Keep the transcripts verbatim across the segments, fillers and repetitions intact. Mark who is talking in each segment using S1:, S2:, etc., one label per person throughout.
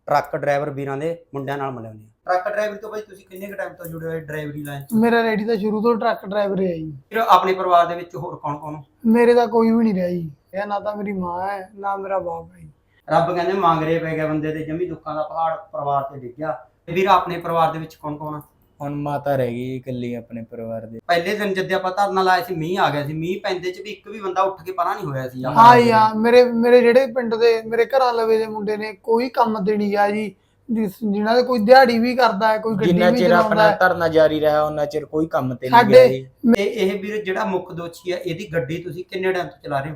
S1: Truck driver ਵੀਰਾਂ ਦੇ ਮੁੰਡਿਆਂ ਨਾਲ ਮਿਲਾਉਂਦੇ ਆ। ਟਰੱਕ ਡਰਾਈਵਰ ਤੋਂ ਬਾਈ ਤੁਸੀਂ ਕਿੰਨੇ ਕੁ ਟਾਈਮ ਤੋਂ ਜੁੜੇ ਹੋਏ ਡਰਾਈਵਰੀ ਲਾਈਨ 'ਚ?
S2: ਮੇਰਾ ਰੈਡੀ ਤਾਂ ਸ਼ੁਰੂ ਤੋਂ ਟਰੱਕ ਡਰਾਈਵਰ ਹੈ ਜੀ।
S1: ਫਿਰ ਆਪਣੇ ਪਰਿਵਾਰ ਦੇ ਵਿੱਚ ਹੋਰ ਕੌਣ ਕੌਣ?
S2: ਮੇਰੇ ਤਾਂ ਕੋਈ ਵੀ ਨਹੀਂ ਰਿਹਾ ਜੀ। ਇਹ ਨਾ ਤਾਂ ਮੇਰੀ ਮਾਂ ਹੈ ਨਾ ਮੇਰਾ ਬਾਪ ਹੈ ਜੀ।
S1: ਰੱਬ ਕਹਿੰਦੇ ਮੰਗਰੇ ਪੈ ਗਿਆ ਬੰਦੇ ਤੇ, ਜੰਮੀ ਦੁੱਖਾਂ ਦਾ ਪਹਾੜ ਪਰਿਵਾਰ ਤੇ ਡਿੱਗਿਆ। ਵੀਰ ਆਪਣੇ ਪਰਿਵਾਰ ਦੇ ਵਿੱਚ ਕੌਣ ਕੌਣ ਆ?
S3: ਹੁਣ ਮਾਤਾ ਰਹਿ ਗਈ ਇਕੱਲੀ ਆਪਣੇ ਪਰਿਵਾਰ ਦੇ।
S1: ਪਹਿਲੇ ਦਿਨ ਜਦ ਆਪਾਂ ਧਰਨਾ ਲਾਇਆ ਸੀ, ਮੀਂਹ ਆ ਗਿਆ ਸੀ, ਮੀਂਹ ਪੈਂਦੇ ਚ ਵੀ ਇੱਕ ਵੀ ਬੰਦਾ ਉੱਠ ਕੇ ਪਰਾਂ ਨਹੀਂ ਹੋਇਆ ਸੀ।
S2: ਹਾਂ ਜੀ ਹਾਂ, ਮੇਰੇ ਮੇਰੇ ਜਿਹੜੇ ਪਿੰਡ ਦੇ ਮੇਰੇ ਘਰਾਂ ਲਵੇ ਦੇ ਮੁੰਡੇ ਨੇ ਕੋਈ ਕੰਮ ਤੇ ਨਹੀਂ ਗਿਆ ਜੀ। ਜਿਨ੍ਹਾਂ ਦੇ ਕੋਈ ਦਿਹਾੜੀ ਵੀ ਕਰਦਾ ਹੈ, ਕੋਈ ਗੱਡੀ
S3: ਜਿੰਨਾ
S2: ਵੀ
S3: ਚਿਰ ਆਪਣਾ
S2: ਚਲਾਉਂਦਾ।
S3: ਧਰਨਾ ਜਾਰੀ ਰਿਹਾ ਉਹਨਾਂ ਚਿਰ ਕੋਈ ਕੰਮ ਤੇ ਨਹੀਂ ਗਿਆ ਜੀ।
S1: ਤੇ ਇਹ ਵੀਰ ਜਿਹੜਾ ਮੁੱਖ ਦੋਸ਼ੀ ਆ, ਇਹਦੀ ਗੱਡੀ ਤੁਸੀਂ ਕਿੰਨੇ ਟਾਈਮ ਤੋਂ ਚਲਾ ਰਹੇ ਹੋ?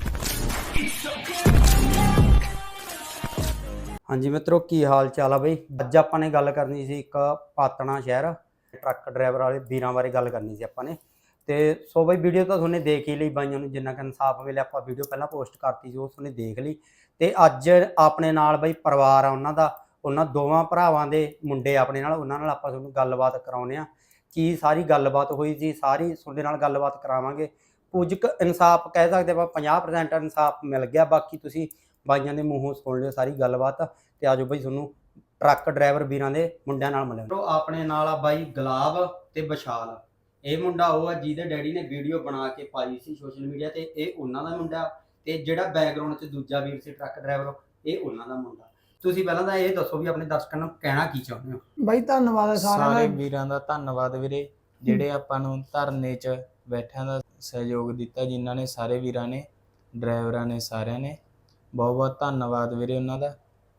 S1: ਹਾਂਜੀ ਮਿੱਤਰੋ, ਕੀ ਹਾਲ ਚਾਲ ਆ ਬਈ? ਅੱਜ ਆਪਾਂ ਨੇ ਗੱਲ ਕਰਨੀ ਸੀ ਇੱਕ ਪਾਤਣਾ ਸ਼ਹਿਰ ਟਰੱਕ ਡਰਾਈਵਰ ਵਾਲੇ ਵੀਰਾਂ ਬਾਰੇ ਗੱਲ ਕਰਨੀ ਸੀ ਆਪਾਂ ਨੇ। ਤੇ ਸੋ ਬਈ ਵੀਡੀਓ ਤਾਂ ਤੁਹਾਨੂੰ ਦੇਖ ਹੀ ਲਈ, ਬਾਈਆਂ ਨੂੰ ਜਿੰਨਾ ਕਿ ਇਨਸਾਫ ਮਿਲਿਆ ਆਪਾਂ ਵੀਡੀਓ ਪਹਿਲਾਂ ਪੋਸਟ ਕਰਤੀ ਸੀ, ਉਹ ਤੁਹਾਨੂੰ ਦੇਖ ਲਈ। ਤੇ ਅੱਜ ਆਪਣੇ ਨਾਲ ਬਈ ਪਰਿਵਾਰ ਆ ਉਹਨਾਂ ਦਾ, ਉਹਨਾਂ ਦੋਵਾਂ ਭਰਾਵਾਂ ਦੇ ਮੁੰਡੇ ਆਪਣੇ ਨਾਲ, ਉਹਨਾਂ ਨਾਲ ਆਪਾਂ ਤੁਹਾਨੂੰ ਗੱਲਬਾਤ ਕਰਾਉਂਦੇ ਆ। ਕੀ ਸਾਰੀ ਗੱਲਬਾਤ ਹੋਈ ਸੀ, ਸਾਰੀ ਤੁਹਾਡੇ ਨਾਲ ਗੱਲਬਾਤ ਕਰਾਵਾਂਗੇ। ਕੁਝ ਕੁ ਇਨਸਾਫ ਕਹਿ ਸਕਦੇ ਆਪਾਂ, ਪੰਜਾਹ ਪ੍ਰਸੈਂਟ ਇਨਸਾਫ ਮਿਲ ਗਿਆ, ਬਾਕੀ ਤੁਸੀਂ ਬਾਈਆਂ ਦੇ ਮੂੰਹੋਂ ਸੁਣ ਲਿਓ ਸਾਰੀ ਗੱਲਬਾਤ। ਤੇ ਆਜੋ ਬਈ ਤੁਹਾਨੂੰ ਟਰੱਕ ਡਰਾਈਵਰ ਵੀਰਾਂ ਦੇ ਮੁੰਡਿਆਂ ਨਾਲ ਮਿਲਿਆ। ਆਪਣੇ ਨਾਲ ਆ ਬਾਈ ਗੁਲਾਬ ਤੇ ਵਿਸ਼ਾਲ। ਇਹ ਮੁੰਡਾ ਉਹ ਆ ਜਿਹਦੇ ਡੈਡੀ ਨੇ ਵੀਡੀਓ ਬਣਾ ਕੇ ਪਾਈ ਸੀ ਸੋਸ਼ਲ ਮੀਡੀਆ ਤੇ, ਇਹ ਉਹਨਾਂ ਦਾ ਮੁੰਡਾ। ਤੇ ਜਿਹੜਾ ਬੈਕਗ੍ਰਾਉਂਡ 'ਚ ਦੂਜਾ ਵੀਰ ਸੀ ਟਰੱਕ ਡਰਾਈਵਰ, ਇਹ ਉਹਨਾਂ ਦਾ ਮੁੰਡਾ। ਤੁਸੀਂ ਪਹਿਲਾਂ ਤਾਂ ਇਹ ਦੱਸੋ ਵੀ ਆਪਣੇ ਦਰਸ਼ਕਾਂ ਨੂੰ ਕਹਿਣਾ ਕੀ ਚਾਹੁੰਦੇ ਹੋ?
S2: ਬਾਈ ਧੰਨਵਾਦ ਸਾਰਿਆਂ
S3: ਸਾਰੇ
S2: ਦਾ।
S3: ਵੀਰਾਂ ਦਾ ਧੰਨਵਾਦ ਵੀਰੇ, ਜਿਹੜੇ ਆਪਾਂ ਨੂੰ ਧਰਨੇ 'ਚ ਬੈਠਿਆਂ ਦਾ ਸਹਿਯੋਗ ਦਿੱਤਾ, ਜਿਨ੍ਹਾਂ ਨੇ ਸਾਰੇ ਵੀਰਾਂ ਨੇ, ਡਰਾਈਵਰਾਂ ਨੇ, ਸਾਰਿਆਂ ਨੇ ਬਹੁਤ ਬਹੁਤ ਧੰਨਵਾਦ ਵੀਰੇ ਉਹਨਾਂ ਦਾ।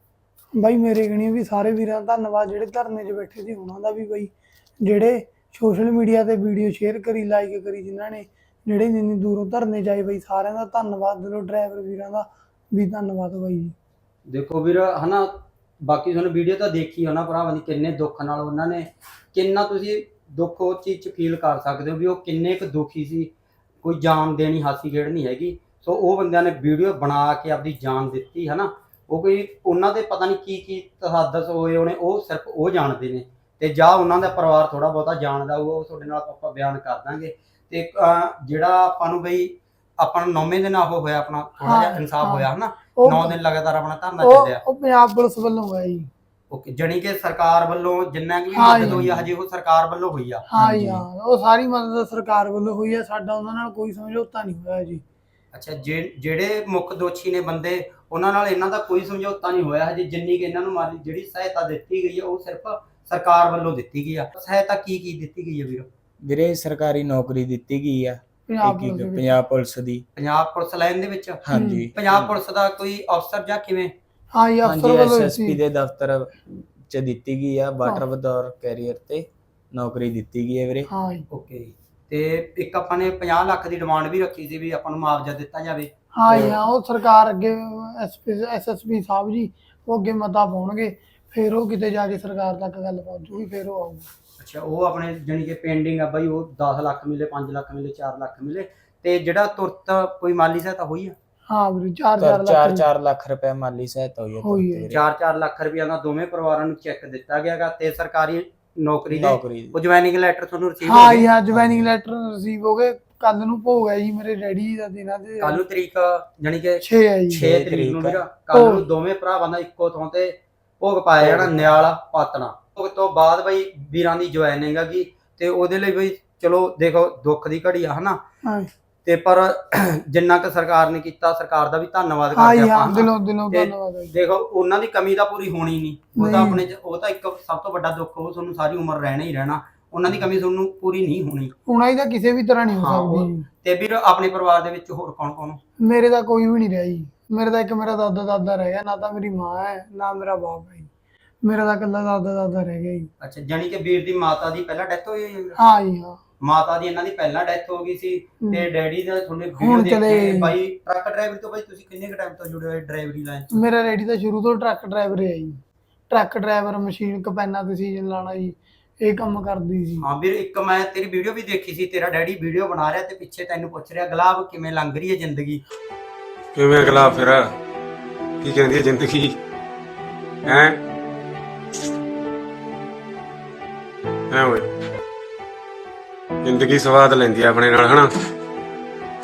S2: ਬਾਈ ਮੇਰੇ ਗਣੀ ਵੀ ਸਾਰੇ ਵੀਰਾਂ ਦਾ ਧੰਨਵਾਦ, ਜਿਹੜੇ ਧਰਨੇ 'ਚ ਬੈਠੇ ਸੀ ਉਹਨਾਂ ਦਾ ਵੀ, ਬਾਈ ਜਿਹੜੇ ਸੋਸ਼ਲ ਮੀਡੀਆ ਤੇ ਵੀਡੀਓ ਸ਼ੇਅਰ ਕਰੀ, ਲਾਈਕ ਕਰੀ, ਜਿਨ੍ਹਾਂ ਨੇ ਜਿਹੜੇ ਇੰਨੀ ਦੂਰੋਂ ਧਰਨੇ 'ਚ ਆਏ, ਬਾਈ ਸਾਰਿਆਂ ਦਾ ਧੰਨਵਾਦ। ਦਿਲੋਂ ਡਰਾਈਵਰ ਵੀਰਾਂ ਦਾ ਵੀ ਧੰਨਵਾਦ ਬਾਈ ਜੀ।
S1: ਦੇਖੋ ਵੀਰ ਹਨਾ, ਬਾਕੀ ਤੁਹਾਨੂੰ ਵੀਡੀਓ ਤਾਂ ਦੇਖੀ ਉਹਨਾਂ ਭਰਾਵਾਂ ਦੀ, ਕਿੰਨੇ ਦੁੱਖ ਨਾਲ ਉਹਨਾਂ ਨੇ, ਕਿੰਨਾ ਤੁਸੀਂ ਦੁੱਖ ਉਹ ਚੀਜ਼ 'ਚ ਫੀਲ ਕਰ ਸਕਦੇ ਹੋ ਵੀ ਉਹ ਕਿੰਨੇ ਕੁ ਦੁਖੀ ਸੀ। ਕੋਈ ਜਾਨ ਦੇਣੀ ਹਾਸੀ ਖੇਡ ਨਹੀਂ ਹੈਗੀ। ਸੋ ਉਹ ਬੰਦਿਆਂ ਨੇ ਵੀਡੀਓ ਬਣਾ ਕੇ ਆਪਦੀ ਜਾਨ ਦਿੱਤੀ ਹੈ ਨਾ। ਉਹ ਕੋਈ ਉਹਨਾਂ ਦੇ ਪਤਾ ਨਹੀਂ ਕੀ ਕੀ ਤਹਾਦਸ ਹੋਏ ਹੋਣੇ, ਉਹ ਸਿਰਫ ਉਹ ਜਾਣਦੇ ਨੇ। ਤੇ ਜਾਂ ਉਹਨਾਂ ਦਾ ਪਰਿਵਾਰ ਥੋੜਾ ਬਹੁਤਾ ਜਾਣਦਾ, ਉਹ ਤੁਹਾਡੇ ਨਾਲ ਆਪਾਂ ਬਿਆਨ ਕਰ ਦਾਂਗੇ। ਤੇ ਜਿਹੜਾ ਆਪਾਂ ਨੂੰ ਬਈ ਆਪਾਂ ਨੂੰ ਨੌਵੇਂ ਦਿਨ ਉਹ ਹੋਇਆ, ਆਪਣਾ ਥੋੜਾ ਜਿਹਾ ਇਨਸਾਫ ਹੋਇਆ ਹਨਾ, ਨੌ ਦਿਨ ਲਗਾਤਾਰ ਆਪਣਾ ਧਰਨਾ ਚੱਲਿਆ।
S2: ਉਹ ਪੰਜਾਬ ਪੁਲਿਸ ਵੱਲੋਂ ਹੋਇਆ ਜੀ।
S1: ਓਕੇ, ਜਾਨੀ ਕਿ ਸਰਕਾਰ ਵੱਲੋਂ ਜਿੰਨਾ ਕਿ ਮਦਦ ਹੋਈ ਆ, ਹਜੇ ਉਹ ਸਰਕਾਰ ਵੱਲੋਂ ਹੋਈ ਆ।
S2: ਹਾਂ ਜੀ ਹਾਂ, ਉਹ ਸਾਰੀ ਮਦਦ ਸਰਕਾਰ ਵੱਲੋਂ ਹੋਈ ਆ, ਸਾਡਾ ਉਹਨਾਂ ਨਾਲ ਕੋਈ ਸਮਝੌਤਾ ਨਹੀਂ ਹੋਇਆ ਜੀ।
S1: ਅੱਛਾ, ਜਿਹੜੇ ਮੁੱਖ ਦੋਸ਼ੀ ਨੇ ਬੰਦੇ, ਉਹਨਾਂ ਨਾਲ ਇਹਨਾਂ ਦਾ ਕੋਈ ਸਮਝੌਤਾ ਨਹੀਂ ਹੋਇਆ ਹਜੇ। ਜਿੰਨੀ ਕਿ ਇਹਨਾਂ ਨੂੰ ਮਾਲੀ ਜਿਹੜੀ ਸਹਾਇਤਾ ਦਿੱਤੀ ਗਈ ਹੈ, ਉਹ ਸਿਰਫ ਸਰਕਾਰ ਵੱਲੋਂ ਦਿੱਤੀ ਗਈ ਆ। ਸਹਾਇਤਾ ਕੀ ਕੀ ਦਿੱਤੀ ਗਈ ਹੈ ਵੀਰ?
S3: ਵੀਰੇ ਸਰਕਾਰੀ ਨੌਕਰੀ ਦਿੱਤੀ ਗਈ ਆ
S2: ਪੰਜਾਬ
S3: ਇੱਕ-
S2: ਪੁਲਿਸ
S3: ਇੱਕ
S2: ਦੇ
S3: ਪੰਜਾਬ ਪੁਲਿਸ ਦੀ।
S1: ਪੰਜਾਬ ਪੁਲਿਸ ਲਾਈਨ ਦੇ ਵਿੱਚ?
S3: ਹਾਂਜੀ,
S1: ਪੰਜਾਬ ਪੁਲਿਸ ਦਾ ਕੋਈ ਅਫਸਰ ਜਾਂ ਕਿਵੇਂ?
S2: ਹਾਂ ਜੀ, ਅਫਸਰ
S3: ਹਾਂਜੀ
S2: ਵੱਲੋਂ
S3: ਐਸਐਸਪੀ
S2: ਸੀ।
S3: ਦੇ ਦਫ਼ਤਰ 'ਚ ਦਿੱਤੀ ਗਈ ਆ। ਵਾਟਰ ਬਤੌਰ ਕੈਰੀਅਰ ਤੇ ਨੌਕਰੀ ਦਿੱਤੀ ਗਈ ਹੈ ਵੀਰੇ।
S2: ਹਾਂ ਜੀ,
S1: ਓਕੇ। ਤੇ ਇੱਕ ਆਪਾਂ ਨੇ ਪੰਜਾਹ ਲੱਖ ਦੀ ਡਿਮਾਂਡ ਵੀ ਰੱਖੀ ਸੀ ਵੀ ਆਪਾਂ ਨੂੰ ਮੁਆਵਜ਼ਾ ਦਿੱਤਾ ਜਾਵੇ।
S2: ਹਾਂ ਜੀ ਹਾਂ, ਉਹ ਸਰਕਾਰ ਅੱਗੇ ਐਸਐਸਪੀ ਸਾਹਿਬ ਜੀ ਉਹ ਅੱਗੇ ਮਤਾ ਪਾਉਣਗੇ, ਫਿਰ ਉਹ ਕਿਤੇ ਜਾ ਕੇ ਸਰਕਾਰ ਤੱਕ ਗੱਲ ਪਹੁੰਚੂਗੀ, ਫਿਰ ਉਹ ਆਊਗਾ।
S1: ਅੱਛਾ, ਉਹ ਆਪਣੇ ਜਾਨੀ ਕਿ ਪੈਂਡਿੰਗ ਆ ਬਾਈ, ਉਹ ਦਸ ਲੱਖ ਮਿਲੇ, ਪੰਜ ਲੱਖ ਮਿਲੇ, ਚਾਰ ਲੱਖ ਮਿਲੇ। ਤੇ ਜਿਹੜਾ ਤੁਰਤ ਕੋਈ ਮਾਲੀ ਸਹਾਇਤਾ ਹੋਈ ਆ?
S2: ਹਾਂ ਵੀਰੇ, ਚਾਰ ਚਾਰ
S3: ਚਾਰ
S2: ਲੱਖ
S3: ਚਾਰ ਲੱਖ ਰੁਪਏ ਮਾਲੀ ਸਹਾਇਤਾ ਹੋਈ ਹੈ
S2: ਹੋਈ ਹੈ।
S3: ਵੀਰੇ।
S1: ਚਾਰ ਚਾਰ ਲੱਖ ਰੁਪਇਆ ਦਾ ਦੋਵੇਂ ਪਰਿਵਾਰਾਂ ਨੂੰ ਚੈੱਕ ਦਿੱਤਾ ਗਿਆਗਾ। ਤੇ ਸਰਕਾਰੀ ਨੌਕਰੀ ਦੇ
S3: ਨੌਕਰੀ
S1: ਉਹ ਜੁਆਇਨਿੰਗ ਲੈਟਰ ਤੁਹਾਨੂੰ ਰਿਸੀਵ ਹੋ
S2: ਹਾਂ
S1: ਗਏ?
S2: ਜੀ ਹਾਂ, ਜੁਆਇਨਿੰਗ ਲੈਟਰ ਰਿਸੀਵ ਹੋ ਗਏ। ਕੱਲ ਨੂੰ ਭੋਗ ਹੈ ਜੀ ਮੇਰੇ ਡੈਡੀ ਦਾ, ਦਿਨਾਂ ਦੇ
S1: ਕੱਲ ਨੂੰ ਤਰੀਕ ਜਾਨੀ ਕਿ
S2: ਛੇ ਹੈ ਜੀ।
S1: ਛੇ ਤਰੀਕ ਨੂੰ ਵੀਰਾ ਕੱਲ ਨੂੰ ਦੋਵੇਂ ਭਰਾਵਾਂ ਦਾ ਇੱਕੋ ਥਾਂ ਤੇ ਭੋਗ ਪਾਇਆ ਜਾਣਾ, ਨਿਆਲਾ ਪਾਤਣਾ। ਭੋਗ ਤੋਂ ਬਾਅਦ ਬਈ ਵੀਰਾਂ ਦੀ ਜੁਆਇਨਿੰਗ ਹੈਗੀ। ਤੇ ਉਹਦੇ ਲਈ ਬਈ ਚਲੋ ਦੇਖੋ ਦੁੱਖ ਦੀ ਘੜੀ ਆ ਹਨਾ।
S2: ਹਾਂ
S1: ਤੇ ਪਰ ਜਿੰਨਾ ਕਿ ਸਰਕਾਰ ਨੇ ਕੀਤਾ, ਸਰਕਾਰ ਦਾ ਵੀ ਧੰਨਵਾਦ
S2: ਹਾਂ
S1: ਕਰਦੇ
S2: ਜੀ ਹਾਂ,
S1: ਆਪਾਂ।
S2: ਦਿਲੋਂ ਦਿਲੋਂ
S1: ਤੇ
S2: ਧੰਨਵਾਦ ਹੈ ਜੀ।
S1: ਦੇਖੋ ਉਹਨਾਂ ਦੀ ਕਮੀ ਤਾਂ ਪੂਰੀ ਹੋਣੀ ਨਹੀਂ, ਉਹ ਤਾਂ
S2: ਨਹੀਂ।
S1: ਆਪਣੇ ਚ ਉਹ ਤਾਂ ਇੱਕ ਸਭ ਤੋਂ ਵੱਡਾ ਦੁੱਖ, ਉਹ ਤੁਹਾਨੂੰ ਸਾਰੀ ਉਮਰ ਰਹਿਣਾ ਹੀ ਰਹਿਣਾ। ਉਹਨਾਂ ਦੀ ਕਮੀ ਤੁਹਾਨੂੰ ਪੂਰੀ ਨਹੀਂ ਹੋਣੀ।
S2: ਉਹਨਾਂ ਦੀ ਤਾਂ ਕਿਸੇ ਵੀ ਤਰ੍ਹਾਂ ਨਹੀਂ ਹੋ
S1: ਹਾਂ, ਉਹ-
S2: ਸਕਦੀ ਜੀ।
S1: ਤੇ ਵੀਰ ਆਪਣੇ ਪਰਿਵਾਰ ਦੇ ਵਿੱਚ ਹੋਰ ਕੌਣ ਕੌਣ?
S2: ਮੇਰੇ ਤਾਂ ਕੋਈ ਵੀ ਨਹੀਂ ਰਿਹਾ ਜੀ। ਮੇਰੇ ਤਾਂ ਇੱਕ ਮੇਰਾ ਦਾਦਾ ਦਾਦਾ ਰਹਿ ਗਿਆ, ਨਾ ਤਾਂ ਮੇਰੀ ਮਾਂ ਹੈ ਨਾ ਮੇਰਾ ਬਾਪ ਹੈ ਜੀ। ਮੇਰਾ ਤਾਂ ਇਕੱਲਾ ਦਾਦਾ ਦਾਦਾ ਰਹਿ ਗਿਆ ਜੀ।
S1: ਅੱਛਾ, ਜਾਨੀ ਕਿ ਵੀਰ ਦੀ ਮਾਤਾ ਦੀ ਪਹਿਲਾਂ ਡੈਥ ਹੋਈ ਹੈ?
S2: ਹਾਂ ਜੀ ਹਾਂ,
S1: ਮਾਤਾ ਦੀ ਇਹਨਾਂ ਦੀ ਪਹਿਲਾਂ ਡੈਥ ਹੋ ਗਈ ਸੀ।
S2: ਹਮ।
S1: ਤੇ ਡੈਡੀ ਦਾ ਤੁਹਾਡੇ
S2: ਹੁਣ
S1: ਵੀਡੀਓ
S2: ਚਲੇ
S1: ਦੇਖੇ ਬਾਈ ਟਰੱਕ ਡਰਾਈਵਰ ਤੋਂ। ਬਾਈ ਤੁਸੀਂ ਕਿੰਨੇ ਕੁ ਟਾਈਮ ਤੋਂ ਜੁੜੇ ਹੋਏ ਡਰਾਈਵਰੀ ਲਾਈਨ 'ਚ?
S2: ਮੇਰਾ ਰੈਡੀ ਤਾਂ ਸ਼ੁਰੂ ਤੋਂ ਟਰੱਕ ਡਰਾਈਵਰ ਹੈ ਜੀ। ਟਰੱਕ ਡਰਾਈਵਰ, ਮਸ਼ੀਨ ਕਪੈਨਾ ਤੇ ਸੀਜ਼ਨ ਲਾਣਾ ਜੀ, ਇਹ ਕੰਮ ਕਰਦੀ ਸੀ।
S1: ਹਾਂ ਵੀਰ, ਇੱਕ ਮੈਂ ਤੇਰੀ ਵੀਡੀਓ ਵੀ ਦੇਖੀ ਸੀ, ਤੇਰਾ ਡੈਡੀ ਵੀਡੀਓ ਬਣਾ ਰਿਹਾ ਤੇ ਪਿੱਛੇ ਤੈਨੂੰ ਪੁੱਛ ਰਿਹਾ ਗੁਲਾਬ ਕਿਵੇਂ ਲੰਘ ਰਹੀ ਹੈ ਜ਼ਿੰਦਗੀ?
S4: ਕਿਵੇਂ ਗੁਲਾਬ ਫਿਰ ਕੀ ਕਹਿੰਦੀ ਹੈ ਜ਼ਿੰਦਗੀ ਹੈ? ਐ ਓਏ ਜ਼ਿੰਦਗੀ ਸਵਾਦ ਲੈਂਦੀ ਆ ਆਪਣੇ ਨਾਲ ਹਨਾ।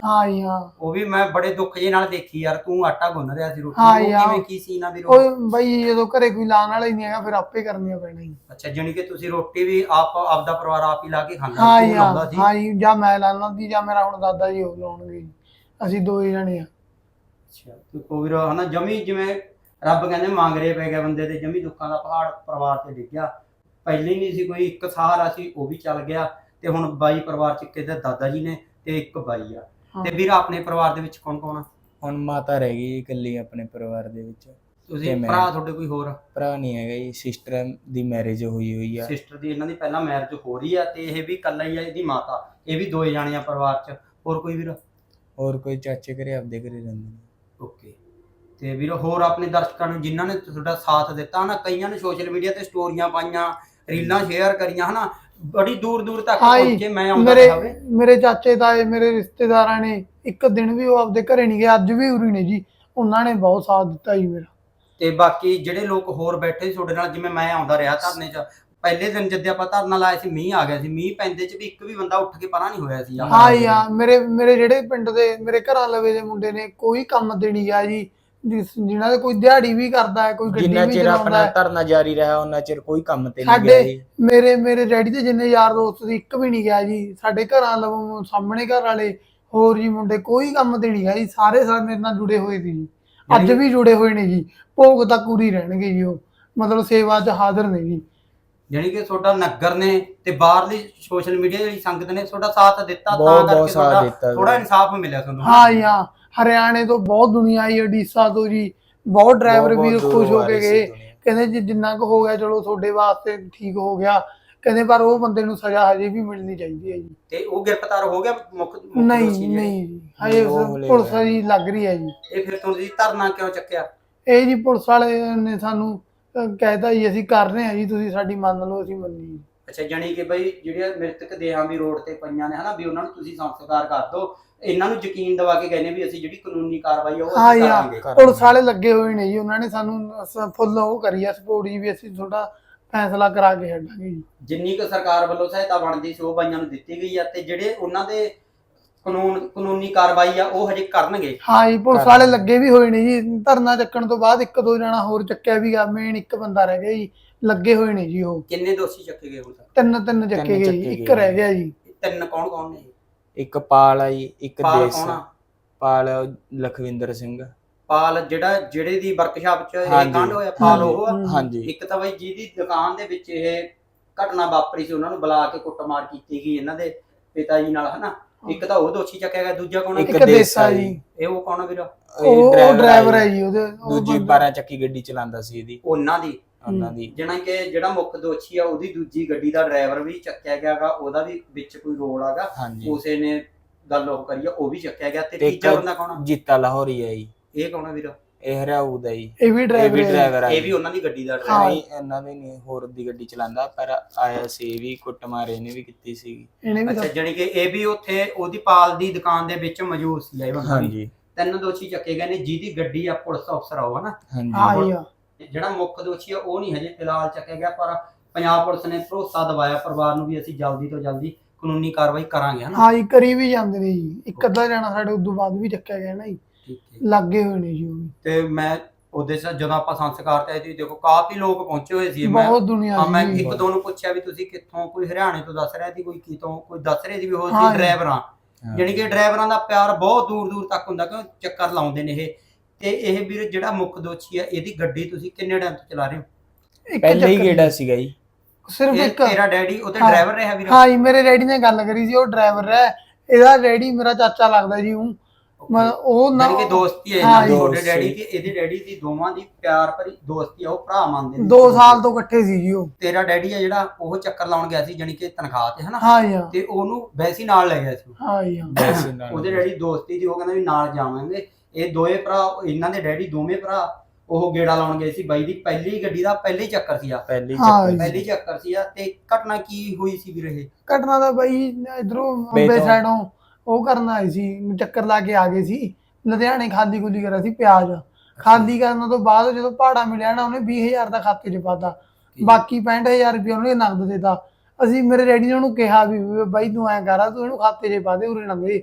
S2: ਹਾਂ ਜੀ ਹਾਂ
S1: ਉਹ ਵੀ ਮੈਂ ਬੜੇ ਦੁੱਖ ਜੇ ਨਾਲ ਦੇਖੀ ਯਾਰ, ਤੂੰ ਆਟਾ ਗੁੰਨ ਰਿਹਾ ਸੀ ਰੋਟੀ,
S2: ਹਾਂ
S1: ਉਹ
S2: ਯਾਰ।
S1: ਕਿਵੇਂ ਕੀ ਸੀ ਨਾ ਵੀਰ?
S2: ਉਹ ਬਈ ਜਦੋਂ ਘਰੇ ਕੋਈ ਲਾਣ ਵਾਲਾ ਹੀ ਨਹੀਂ ਹੈਗਾ ਫਿਰ ਆਪੇ ਕਰਨੀਆਂ ਪੈਣਾ ਜੀ।
S1: ਅੱਛਾ, ਜਾਣੀ ਕਿ ਤੁਸੀਂ ਰੋਟੀ ਵੀ ਆਪ ਆਪਦਾ ਪਰਿਵਾਰ ਆਪ ਹੀ ਲਾ ਕੇ ਖਾਂਦਾ,
S2: ਹਾਂ
S1: ਤੂੰ
S2: ਜੀ
S1: ਲਾਉਂਦਾ
S2: ਹਾਂ
S1: ਸੀ?
S2: ਹਾਂ ਜੀ, ਜਾਂ ਮੈਂ ਲਾਣਾ ਸੀ ਜਾਂ ਮੇਰਾ ਹੁਣ ਦਾਦਾ ਜੀ ਉਹ ਲਾਉਣਗੇ ਜੀ, ਅਸੀਂ ਦੋ ਹੀ ਜਣੇ ਆ।
S1: ਅੱਛਾ, ਤੇ ਕੋਈ ਵੀਰ ਹਨਾ ਜਮੀ ਜਿਵੇਂ ਰੱਬ ਕਹਿੰਦੇ ਮੰਗਰੇ ਪੈ ਗਿਆ ਬੰਦੇ ਤੇ, ਜਮੀ ਦੁੱਖਾਂ ਦਾ ਪਹਾੜ ਪਰਿਵਾਰ ਤੇ ਡਿੱਗਿਆ। ਪਹਿਲੇ ਹੀ ਨਹੀਂ ਸੀ ਕੋਈ, ਇੱਕ ਸਹਾਰਾ ਸੀ ਉਹ ਵੀ ਚੱਲ ਗਿਆ, ਤੇ ਹੁਣ ਬਾਈ ਪਰਿਵਾਰ ਚ ਕਿਤੇ ਦਾਦਾ ਜੀ ਨੇ ਤੇ ਇੱਕ ਬਾਈ ਆ। ਤੇ ਵੀਰ ਆਪਣੇ ਪਰਿਵਾਰ ਦੇ ਵਿੱਚ ਕੌਣ ਕੌਣ ਆ?
S3: ਹੁਣ ਮਾਤਾ ਰਹਿ ਗਈ ਇਕੱਲੀ ਆਪਣੇ ਪਰਿਵਾਰ ਦੇ ਵਿੱਚ।
S1: ਤੁਸੀਂ
S3: ਤੇ ਮੈਂ-
S1: ਭਰਾ ਤੁਹਾਡੇ ਕੋਈ ਹੋਰ?
S3: ਭਰਾ ਨਹੀਂ ਹੈਗਾ ਜੀ, ਸਿਸਟਰ ਦੀ ਮੈਰਿਜ ਹੋਈ ਹੋਈ ਆ।
S1: ਸਿਸਟਰ ਦੀ ਇਹਨਾਂ ਦੀ ਪਹਿਲਾਂ ਮੈਰਿਜ ਹੋ ਰਹੀ ਆ, ਤੇ ਇਹ ਵੀ ਇਕੱਲਾ ਹੀ ਆ, ਇਹਦੀ ਮਾਤਾ, ਇਹ ਵੀ ਦੋਏ ਜਾਣੇ ਆ ਪਰਿਵਾਰ ਚ। ਹੋਰ ਕੋਈ ਵੀਰ?
S3: ਹੋਰ ਕੋਈ ਚਾਚੇ ਘਰੇ ਆਪਦੇ ਘਰੇ ਰਹਿੰਦੇ ਨੇ।
S1: ਓਕੇ। ਤੇ ਵੀਰ ਹੋਰ ਆਪਣੇ ਦਰਸ਼ਕਾਂ ਨੂੰ ਜਿਨ੍ਹਾਂ ਨੇ ਤੁਹਾਡਾ ਸਾਥ ਦਿੱਤਾ ਨਾ, ਕਈਆਂ ਨੇ ਸੋਸ਼ਲ ਮੀਡੀਆ ਤੇ ਸਟੋਰੀਆਂ ਪਾਈਆਂ, ਰੀਲਾਂ ਸ਼ੇਅਰ ਕਰੀਆਂ ਹਨਾ, ਬੜੀ ਦੂਰ ਦੂਰ ਤੱਕ
S2: ਹਾਂ ਜੀ,
S1: ਪਹੁੰਚੇ, ਮੈਂ ਆਉਂਦਾ
S2: ਮੇਰੇ
S1: ਰਿਹਾ ਵੇ।
S2: ਮੇਰੇ ਚਾਚੇ ਤਾਏ ਮੇਰੇ ਰਿਸ਼ਤੇਦਾਰਾਂ ਨੇ ਇੱਕ ਦਿਨ ਵੀ ਉਹ ਆਪਦੇ ਘਰੇ ਨਹੀਂ ਗਏ, ਅੱਜ ਵੀ ਉਰੀ ਨੇ ਜੀ, ਉਹਨਾਂ ਨੇ ਬਹੁਤ ਸਾਥ ਦਿੱਤਾ ਜੀ ਮੇਰਾ।
S1: ਤੇ ਬਾਕੀ ਜਿਹੜੇ ਲੋਕ ਹੋਰ ਬੈਠੇ ਸੀ ਤੁਹਾਡੇ ਨਾਲ, ਜਿਵੇਂ ਮੈਂ ਆਉਂਦਾ ਰਿਹਾ ਧਰਨੇ 'ਚ, ਪਹਿਲੇ ਦਿਨ ਜਦੋਂ ਆਪਾਂ ਧਰਨਾ ਲਾਇਆ ਸੀ ਮੀਂਹ ਆ ਗਿਆ ਸੀ, ਮੀਂਹ ਪੈਂਦੇ 'ਚ ਵੀ ਇੱਕ ਵੀ ਬੰਦਾ ਉੱਠ ਕੇ ਪਰਾਂ ਨਹੀਂ ਹੋਇਆ ਸੀ।
S2: ਹਾਂ ਜੀ ਹਾਂ, ਮੇਰੇ ਮੇਰੇ ਜਿਹੜੇ ਪਿੰਡ ਦੇ ਮੇਰੇ ਘਰਾਂ ਲਵੇ ਦੇ ਮੁੰਡੇ ਨੇ ਕੋਈ ਕੰਮ ਤੇ ਨਹੀਂ ਗਿਆ ਜੀ, ਜਿਸ- ਜਿਨ੍ਹਾਂ ਦੇ ਕੋਈ ਦਿਹਾੜੀ ਵੀ ਕਰਦਾ ਹੈ, ਕੋਈ ਗੱਡੀ
S3: ਜਿੰਨਾ
S2: ਵੀ
S3: ਚਿਰ
S2: ਚਲਾਉਂਦਾ
S3: ਆਪਣਾ
S2: ਹੈ।
S3: ਧਰਨਾ ਜਾਰੀ ਰਿਹਾ ਉਹਨਾਂ ਚਿਰ ਕੋਈ ਕੰਮ ਤੇ ਨਹੀਂ ਗਿਆ
S2: ਸਾਡੇ
S3: ਜੀ।
S2: ਮੇਰੇ ਮੇਰੇ ਡੈਡੀ ਦੇ ਜਿੰਨੇ ਯਾਰ ਦੋਸਤ ਸੀ ਇੱਕ ਵੀ ਨਹੀਂ ਗਿਆ ਜੀ, ਸਾਡੇ ਘਰਾਂ ਲਵੋਂ ਸਾਹਮਣੇ ਘਰ ਵਾਲੇ ਹੋਰ ਜੀ ਮੁੰਡੇ ਕੋਈ ਕੰਮ ਤੇ ਨਹੀਂ ਗਿਆ ਜੀ, ਸਾਰੇ ਸਾਰੇ ਮੇਰੇ ਨਾਲ ਜੁੜੇ ਹੋਏ ਸੀ ਜੀ, ਅੱਜ ਵੀ ਜੁੜੇ ਹੋਏ ਨੇ ਜੀ, ਭੋਗ ਤੱਕ ਪੂਰੀ ਰਹਿਣਗੇ ਜੀ, ਉਹ ਮਤਲਬ ਸੇਵਾ 'ਚ ਹਾਜ਼ਰ ਨੇ ਜੀ।
S1: ਜਾਣੀ ਕਿ ਤੁਹਾਡਾ ਨਗਰ ਨੇ ਤੇ ਬਾਹਰਲੀ ਸੋਸ਼ਲ ਮੀਡੀਆ ਜਿਹੜੀ ਸੰਗਤ ਨੇ ਤੁਹਾਡਾ ਸਾਥ ਦਿੱਤਾ, ਤਾਂ
S3: ਬਹੁਤ- ਬਹੁਤ
S1: ਕਰਕੇ
S3: ਸਾਥ
S1: ਤੁਹਾਡਾ
S3: ਦਿੱਤਾ
S1: ਥੋੜਾ
S3: ਵੀਰੇ।
S1: ਇਨਸਾਫ ਮਿਲਿਆ ਤੁਹਾਨੂੰ।
S2: ਹਾਂ ਜੀ ਹਾਂ, ਹਰਿਆਣੇ ਤੋਂ ਬਹੁਤ ਦੁਨੀਆ ਆਈ, ਉੜੀਸਾ ਤੋਂ ਜੀ ਬਹੁਤ ਡਰਾਈਵਰ
S3: ਬਹੁਤ-
S2: ਵੀ
S3: ਬਹੁਤ
S2: ਖੁਸ਼ ਹੋ
S3: ਦੂਰੋਂ ਆ
S2: ਕੇ
S3: ਰਹੀ ਸੀ
S2: ਗਏ,
S3: ਦੁਨੀਆ।
S2: ਕਹਿੰਦੇ ਜੀ ਜਿੰਨਾ ਕੁ ਹੋ ਗਿਆ ਚਲੋ ਤੁਹਾਡੇ ਵਾਸਤੇ ਠੀਕ ਹੋ ਗਿਆ, ਕਹਿੰਦੇ ਪਰ ਉਹ ਬੰਦੇ ਨੂੰ ਸਜ਼ਾ ਹਜੇ ਵੀ ਮਿਲਣੀ ਚਾਹੀਦੀ ਹੈ ਜੀ।
S1: ਤੇ ਉਹ ਗ੍ਰਿਫਤਾਰ ਹੋ ਗਿਆ ਮੁੱਖ ਮੁੱਖ ਦੋਸ਼ੀ
S2: ਨਹੀਂ
S1: ਜਿਹੜੇ?
S2: ਨਹੀਂ ਜੀ, ਹਜੇ
S3: ਉਹ ਹਲੇ
S2: ਪੁਲਿਸ
S3: ਹੋਇਆ।
S2: ਜੀ ਲੱਗ ਰਹੀ ਹੈ ਜੀ।
S1: ਇਹ ਫਿਰ ਤੁਸੀਂ ਧਰਨਾ ਕਿਉਂ ਚੱਕਿਆ?
S2: ਇਹ ਜੀ ਪੁਲਿਸ ਵਾਲੇ ਨੇ ਸਾਨੂੰ ਅਹ, ਕਹਿਤਾ ਜੀ ਅਸੀਂ ਕਰ ਰਹੇ ਹਾਂ ਜੀ, ਤੁਸੀਂ ਸਾਡੀ ਮੰਨ ਲਓ, ਅਸੀਂ ਮੰਨੀ ਜੀ।
S1: ਅੱਛਾ, ਜਾਣੀ ਕਿ ਬਈ ਜਿਹੜੀਆਂ ਮ੍ਰਿਤਕ ਦੇਹਾਂ ਵੀ ਰੋਡ ਤੇ ਪਈਆਂ ਨੇ ਹਨਾ, ਵੀ ਉਹਨਾਂ ਨੂੰ ਤੁਸੀਂ ਸੰਸਕਾਰ ਕਰ ਦਿਓ, ਇਹਨਾਂ ਨੂੰ ਯਕੀਨ ਦਿਵਾ ਕੇ ਕਹਿੰਦੇ ਵੀ ਅਸੀਂ ਜਿਹੜੀ ਕਾਨੂੰਨੀ ਕਾਰਵਾਈ ਆ ਉਹ
S2: ਹਾਂ
S1: ਅਸੀਂ
S2: ਜੀ ਹਾਂ,
S1: ਕਰਾਂਗੇ।
S2: ਪੁਲਿਸ ਵਾਲੇ ਲੱਗੇ ਹੋਏ ਨੇ ਜੀ, ਉਹਨਾਂ ਨੇ ਸਾਨੂੰ ਸ- ਫੁੱਲ ਉਹ ਕਰੀ ਆ ਸਪੋਰਟ ਜੀ, ਵੀ ਅਸੀਂ ਤੁਹਾਡਾ ਫੈਸਲਾ ਕਰਾ ਕੇ ਛੱਡਾਂਗੇ ਜੀ।
S1: ਜਿੰਨੀ ਕੁ ਸਰਕਾਰ ਵੱਲੋਂ ਸਹਾਇਤਾ ਬਣਦੀ ਸੀ ਉਹ ਬਾਈਆਂ ਨੂੰ ਦਿੱਤੀ ਗਈ ਆ, ਤੇ ਜਿਹੜੇ ਉਹਨਾਂ ਦੇ ਕਾਨੂੰਨ ਕਾਨੂੰਨੀ ਕਾਰਵਾਈ ਆ ਉਹ ਹਜੇ ਕਰਨਗੇ।
S2: ਹਾਂ ਜੀ, ਪੁਲਿਸ ਵਾਲੇ ਲੱਗੇ ਵੀ ਹੋਏ ਨੇ ਜੀ, ਧਰਨਾ ਚੱਕਣ ਤੋਂ ਬਾਅਦ ਇੱਕ ਦੋ ਜਣਾ ਹੋਰ ਚੱਕਿਆ ਵੀ ਗਾ, ਮੇਨ ਇੱਕ ਬੰਦਾ ਰਹਿ ਗਿਆ ਜੀ, ਲੱਗੇ ਹੋਏ ਨੇ ਜੀ ਉਹ।
S1: ਕਿੰਨੇ ਦੋਸ਼ੀ ਚੱਕੇ ਗਏ ਹੁਣ ਤੱਕ?
S2: ਤਿੰਨ ਤਿੰਨ ਚੱਕੇ ਗਏ ਜੀ,
S3: ਚੱਕੇ
S2: ਇੱਕ
S3: ਗਏ।
S2: ਰਹਿ ਗਿਆ ਜੀ।
S1: ਤਿੰਨ ਕੌਣ ਕੌਣ ਨੇ?
S3: ਇੱਕ ਪਾਲ ਆ ਜੀ, ਇੱਕ
S1: ਪਾਲ
S3: ਦੇਸ
S1: ਕੌਣ ਆ?
S3: ਪਾਲ ਲਖਵਿੰਦਰ ਸਿੰਘ।
S1: ਪਾਲ ਜਿਹੜਾ ਜਿਹੜੇ ਦੀ ਵਰਕਸ਼ਾਪ 'ਚ ਇਹ
S3: ਹਾਂਜੀ।
S1: ਕਾਂਡ ਹੋਇਆ, ਪਾਲ ਉਹ ਆ?
S2: ਹਮ।
S3: ਹਾਂਜੀ
S1: ਇੱਕ ਤਾਂ ਬਈ ਜਿਹਦੀ ਦੁਕਾਨ ਦੇ ਵਿੱਚ ਇਹ ਘਟਨਾ ਵਾਪਰੀ ਸੀ, ਉਹਨਾਂ ਨੂੰ ਬੁਲਾ ਕੇ ਕੁੱਟਮਾਰ ਕੀਤੀ ਗਈ ਇਹਨਾਂ ਦੇ ਪਿਤਾ ਜੀ ਨਾਲ ਹਨਾ, ਇੱਕ ਤਾਂ ਉਹ ਦੋਸ਼ੀ ਚੱਕਿਆ ਗਿਆ, ਦੂਜਾ ਕੌਣ ਆ?
S3: ਇੱਕ
S2: ਇੱਕ ਦੇਸਾ ਜੀ,
S1: ਇਹ ਉਹ ਕੌਣ ਆ ਵੀਰ?
S2: ਉਹ ਡਰਾਈਵਰ ਹੈ ਜੀ ਉਹਦੇ, ਉਹ
S3: ਦੂਜੀ
S2: ਬੰਦਾ-
S3: ਬਾਰਾਂ ਚੱਕੀ ਗੱਡੀ ਚਲਾਉਂਦਾ ਸੀ ਇਹਦੀ,
S1: ਉਹਨਾਂ ਦੀ,
S3: ਉਹਨਾਂ ਦੀ।
S1: ਜਿਹਨਾਂ ਕਿ ਜਿਹੜਾ ਮੁੱਖ ਦੋਸ਼ੀ ਆ ਉਹਦੀ ਦੂਜੀ ਗੱਡੀ ਦਾ ਡਰਾਈਵਰ ਵੀ ਚੱਕਿਆ ਗਿਆਗਾ, ਉਹਦਾ ਵੀ ਵਿੱਚ ਕੋਈ ਰੋਲ ਆਗਾ,
S3: ਹਾਂਜੀ
S1: ਉਸੇ ਨੇ ਗੱਲ ਉਹ ਕਰੀ ਆ, ਉਹ ਵੀ ਚੱਕਿਆ ਗਿਆ। ਤੇ
S3: ਤੇ
S1: ਤੀਜਾ
S3: ਇੱਕ
S1: ਬੰਦਾ ਕੌਣ ਆ?
S3: ਜੀਤਾ ਲਾਹੌਰੀ ਆ ਜੀ,
S1: ਇਹ ਕੌਣ ਆ ਵੀਰ?
S3: ਇਹ ਹਰਿਆਊ ਦਾ ਜੀ,
S2: ਇਹ ਵੀ
S3: ਇਹ
S2: ਡਰਾਈਵਰ
S3: ਵੀ
S2: ਹੈ ਜੀ।
S3: ਡਰਾਈਵਰ ਆ
S1: ਇਹ ਵੀ
S3: ਜੀ।
S1: ਉਹਨਾਂ ਦੀ ਗੱਡੀ ਦਾ
S2: ਹਾਂ।
S1: ਡਰਾਈਵਰ।
S3: ਨਹੀਂ ਇਹਨਾਂ ਦੇ ਨਹੀਂ, ਹੋਰ ਦੀ ਗੱਡੀ ਚਲਾਉਂਦਾ, ਪਰ ਆਇਆ ਸੀ ਇਹ ਵੀ ਕੁੱਟਮਾਰ ਇਹਨੇ ਵੀ ਕੀਤੀ ਸੀਗੀ।
S2: ਇਹਨੇ ਵੀ
S1: ਅੱਛਾ, ਜਾਣੀ ਕਿ ਇਹ ਵੀ ਉੱਥੇ ਉਹਦੀ ਪਾਲ ਦੀ ਦੁਕਾਨ ਦੇ ਵਿੱਚ ਮੌਜੂਦ ਸੀ ਇਹ ਬੰਦਾ ਵੀ।
S3: ਹਾਂਜੀ
S1: ਤਿੰਨ ਦੋਸ਼ੀ ਚੱਕੇ ਗਏ ਨੇ, ਜਿਹਦੀ ਗੱਡੀ ਆ ਪੁਲਿਸ ਅਫਸਰ ਆ ਉਹ ਹਨਾ।
S3: ਹਾਂਜੀ
S2: ਹਾਂ ਜੀ ਹਾਂ।
S1: ਜਿਹੜਾ ਮੁੱਖ ਦੋਸ਼ੀ ਆ ਉਹ ਨਹੀਂ ਹਜੇ ਫਿਲਹਾਲ ਚੱਕਿਆ ਗਿਆ, ਪਰ ਪੰਜਾਬ ਪੁਲਿਸ ਨੇ ਭਰੋਸਾ ਦਿਵਾਇਆ ਪਰਿਵਾਰ ਨੂੰ ਵੀ ਅਸੀਂ ਜਲਦੀ ਤੋਂ ਜਲਦੀ ਕਾਨੂੰਨੀ ਕਾਰਵਾਈ ਕਰਾਂਗੇ ਹਨਾ।
S2: ਹਾਂ ਜੀ, ਕਰੀ ਵੀ ਜਾਂਦੇ ਨੇ ਜੀ, ਇੱਕ ਅੱਧਾ ਜਾਣਾ ਸਾਡੇ ਉਦੋਂ ਬਾਅਦ ਵੀ ਚੱਕਿਆ ਗਿਆ ਨਾ ਜੀ,
S1: ਠੀਕ ਹੈ।
S2: ਲੱਗੇ ਹੋਏ ਨੇ ਜੀ ਉਹ ਵੀ।
S1: ਤੇ ਮੈਂ ਉਹਦੇ ਚ ਜਦੋਂ ਆਪਾਂ ਸੰਸਕਾਰ ਤੇ ਆਏ ਸੀ, ਦੇਖੋ ਕਾਫੀ ਲੋਕ ਪਹੁੰਚੇ ਹੋਏ ਸੀ। ਮੈਂ
S2: ਬਹੁਤ ਦੁਨੀਆ
S1: ਹਾਂ, ਮੈਂ
S2: ਸੀ
S1: ਇੱਕ ਦੋ ਨੂੰ ਪੁੱਛਿਆ ਵੀ ਤੁਸੀਂ ਕਿੱਥੋਂ, ਕੋਈ ਹਰਿਆਣੇ ਤੋਂ ਦੱਸ ਰਿਹਾ ਸੀ, ਕੋਈ ਕਿਤੋਂ, ਕੋਈ ਦੱਸ ਰਿਹਾ ਸੀ ਵੀ ਉਹ
S2: ਹਾਂ।
S1: ਸੀ ਡਰਾਈਵਰਾਂ।
S3: ਹਾਂ।
S1: ਜਾਣੀ ਕਿ ਡਰਾਈਵਰਾਂ ਦਾ ਪਿਆਰ ਬਹੁਤ ਦੂਰ ਦੂਰ ਤੱਕ ਹੁੰਦਾ, ਕਿਉਂ ਚੱਕਰ ਲਾਉਂਦੇ ਨੇ ਇਹ। ਤੇ ਇਹ ਵੀਰ ਜਿਹੜਾ ਮੁੱਖ ਦੋਸ਼ੀ ਆ, ਇਹਦੀ ਗੱਡੀ ਤੁਸੀਂ ਕਿੰਨੇ ਟਾਈਮ ਤੋਂ ਚਲਾ ਰਹੇ ਹੋ?
S2: ਇੱਕ
S3: ਪਹਿਲੇ ਹੀ
S2: ਚੱਕਰ
S3: ਗੇੜਾ ਸੀਗਾ ਜੀ।
S2: ਸਿਰਫ
S1: ਇਹ
S2: ਇੱਕ।
S1: ਤੇਰਾ ਡੈਡੀ ਉਹਦੇ
S2: ਹਾਂ।
S1: ਡਰਾਈਵਰ ਰਿਹਾ ਵੀਰ?
S2: ਹਾਂ ਜੀ, ਮੇਰੇ ਡੈਡੀ ਨੇ ਗੱਲ ਕਰੀ ਸੀ, ਉਹ ਡਰਾਈਵਰ ਹੈ, ਇਹਦਾ ਡੈਡੀ ਮੇਰਾ ਚਾਚਾ ਲੱਗਦਾ ਜੀ। ਉਹ ਮੈਂ ਉਹ ਨਾ
S1: ਜਾਣੀ ਕਿ ਦੋਸਤੀ ਹੈ
S2: ਹਾਂ
S1: ਇਹਨਾਂ ਦੀ,
S2: ਜੀ।
S1: ਤੁਹਾਡੇ
S3: ਦੋਸਤੀ।
S1: ਡੈਡੀ ਦੀ ਇਹਦੇ ਡੈਡੀ ਦੀ, ਦੋਵਾਂ ਦੀ ਪਿਆਰ ਭਰੀ ਦੋਸਤੀ ਆ, ਉਹ ਭਰਾ ਮੰਨਦੇ ਨੇ।
S2: ਦੋ ਸਾਲ ਤੋਂ ਇਕੱਠੇ ਸੀ ਜੀ ਉਹ।
S1: ਤੇਰਾ ਡੈਡੀ ਆ ਜਿਹੜਾ, ਉਹ ਚੱਕਰ ਲਾਉਣ ਗਿਆ ਸੀ ਜਾਣੀ ਕਿ ਤਨਖਾਹ ਤੇ ਹਨਾ,
S2: ਹਾਂ ਜੀ ਹਾਂ।
S1: ਤੇ ਉਹਨੂੰ ਵੈਸੇ ਹੀ ਨਾਲ ਲੈ ਗਿਆ ਸੀ।
S2: ਹਾਂ ਜੀ ਹਾਂ।
S3: ਵੈਸੇ ਨਾਲ
S1: ਉਹਦੇ ਡੈਡੀ ਦੋਸਤੀ ਦੀ, ਉਹ ਕਹਿੰਦਾ ਵੀ ਨਾਲ ਜਾਵਾਂਗੇ। ਇਹ ਦੋਏ ਭਰਾ, ਇਹਨਾਂ ਦੇ ਡੈਡੀ ਦੋਵੇਂ ਭਰਾ, ਉਹ ਗੇੜਾ ਲਾਉਣ ਗਏ ਸੀ ਬਾਈ ਦੀ ਪਹਿਲੀ ਗੱਡੀ ਦਾ, ਪਹਿਲੇ ਹੀ ਚੱਕਰ ਸੀ ਆ,
S3: ਪਹਿਲੇ ਹੀ
S2: ਹਾਂ
S3: ਚੱਕਰ
S2: ਜੀ।
S1: ਪਹਿਲੀ ਚੱਕਰ ਸੀ ਆ। ਤੇ ਘਟਨਾ ਕੀ ਹੋਈ ਸੀ ਵੀਰ ਇਹ?
S2: ਘਟਨਾ ਦਾ ਬਾਈ ਇਧਰੋਂ
S3: ਬੇ
S2: ਅੰਬੇ
S3: ਤੋਂ।
S2: ਸਾਈਡੋਂ ਉਹ ਕਰਨ ਆਏ ਸੀ, ਚੱਕਰ ਲਾ ਕੇ ਆ ਗਏ ਸੀ, ਲੁਧਿਆਣੇ ਖਾਲੀ ਖੁੱਲੀ ਕਰਿਆ ਸੀ ਪਿਆਜ਼। ਖਾਲੀ ਕਰਨ ਤੋਂ ਬਾਅਦ ਜਦੋਂ ਭਾੜਾ ਮਿਲਿਆ ਨਾ, ਉਹਨੇ ਵੀਹ ਹਜ਼ਾਰ ਦਾ ਖਾਤੇ 'ਚ ਪਾਤਾ, ਬਾਕੀ ਪੈਂਹਠ ਹਜ਼ਾਰ ਰੁਪਏ ਉਹਨੇ ਨਗਦ ਦੇਤਾ। ਅਸੀਂ ਮੇਰੇ ਡੈਡੀ ਨੇ ਉਹਨੂੰ ਕਿਹਾ ਵੀ ਵੀ ਬਾਈ ਤੂੰ ਐਂ ਕਰ, ਤੂੰ ਇਹਨੂੰ ਖਾਤੇ 'ਚ ਪਾ ਦੇ, ਉਰੇ ਨਾ ਦੇ।